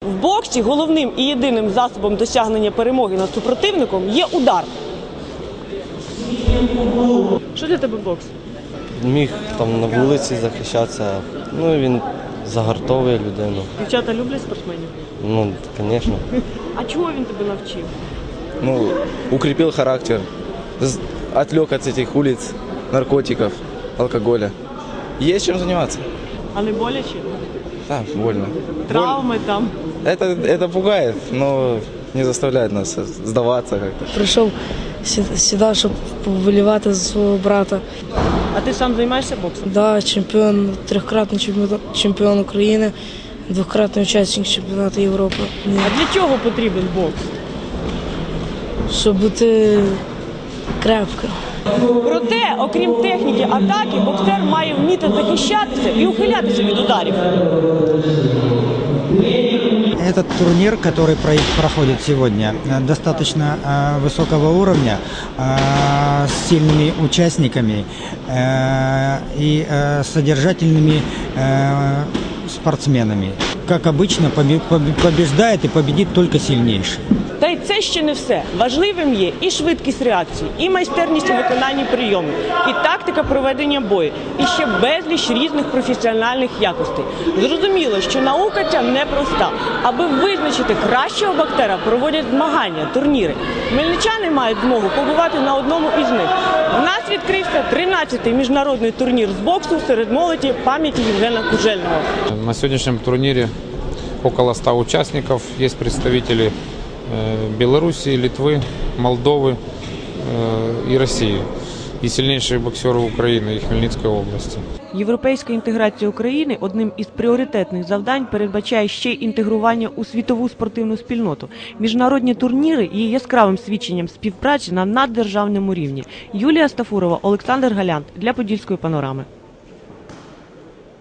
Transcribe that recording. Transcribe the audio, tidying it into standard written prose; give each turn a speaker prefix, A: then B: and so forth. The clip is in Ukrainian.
A: В боксі головним і єдиним засобом досягнення перемоги над супротивником є удар. Що для тебе бокс?
B: Міг там на вулиці захищатися, він загартовує людину.
A: Дівчата люблять спортсменів?
B: Звісно.
A: А чого він тебе навчив?
C: Укрепил характер, отвлек от этих улиц, наркотиков, алкоголя. Есть чем заниматься.
A: А не боляче?
C: Да, больно.
A: Травми там?
C: Это пугает, но не заставляет нас сдаваться как-то.
D: Прийшов сюди, щоб повболівати за свого брата.
A: А ти сам займаєшся боксом?
D: Да, чемпіон, трьохкратний чемпіон України, двократний учасник чемпіонату Європи.
A: А для чого потрібен бокс?
D: Щоб бути крепким.
A: Проте, окрім техніки атаки, боксер має вміти захищатися і ухилятися від ударів.
E: Этот турнир, который проходит сегодня, достаточно высокого уровня, с сильными участниками и содержательными спортсменами. Как обычно, побеждает и победит только сильнейший.
A: Та й це ще не все. Важливим є і швидкість реакції, і майстерність у виконанні прийомів, і тактика проведення бою, і ще безліч різних професіональних якостей. Зрозуміло, що наука ця непроста. Аби визначити кращого боксера, проводять змагання, турніри. Хмельничани мають змогу побувати на одному із них. В нас відкрився 13-й міжнародний турнір з боксу серед молоді пам'яті Євгена Кужельного.
F: На сегодняшнем турнире около 100 участников, есть представители Белоруссии, Литвы, Молдовы и России, и сильнейшие боксеры Украины и Хмельницкой области.
A: Європейська інтеграція України одним із пріоритетних завдань передбачає ще й інтегрування у світову спортивну спільноту. Міжнародні турніри є яскравим свідченням співпраці на наддержавному рівні. Юлія Стафурова, Олександр Галянт для Подільської панорами.